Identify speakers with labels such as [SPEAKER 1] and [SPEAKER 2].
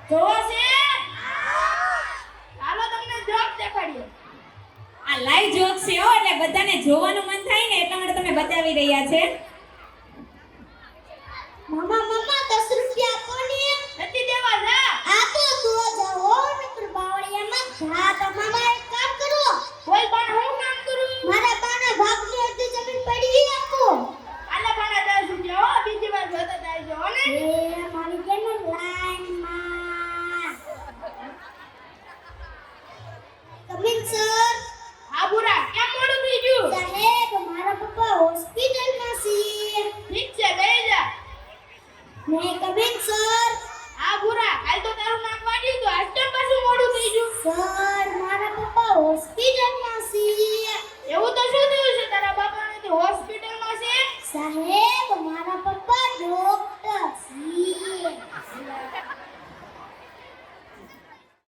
[SPEAKER 1] જોવો છે? ચાલો તમને જોક દેખાડીએ.
[SPEAKER 2] આ લાઈવ જોક છે હો, એટલે બધાને જોવાનું મન થાય ને એટલા માટે તમે બતાવી રહ્યા છે.
[SPEAKER 3] મમ્મા 10 રૂપિયા આપો ને.
[SPEAKER 1] નથી દેવા જા.
[SPEAKER 3] આપો તો જાઓ નકર બાવળિયામાં જા. તમારે એક કામ કરો.
[SPEAKER 1] કોઈ પણ હું કામ કરું?
[SPEAKER 3] મારા બાના ભાગની અડધી જમીન પડી આપો.
[SPEAKER 1] આલા ભાણા 10 રૂપિયા હો, બીજી વાર જોતા જાયજો હો ને.
[SPEAKER 3] એ મારી કેમ લાઈનમાં. Coming sir.
[SPEAKER 1] હા બુરા, કેમ મોડું થઈ ગયું?
[SPEAKER 3] સાહેબ મારા પપ્પા હોસ્પિટલમાં છે.
[SPEAKER 1] ઠીક છે, બેહી જા.
[SPEAKER 3] May coming sir.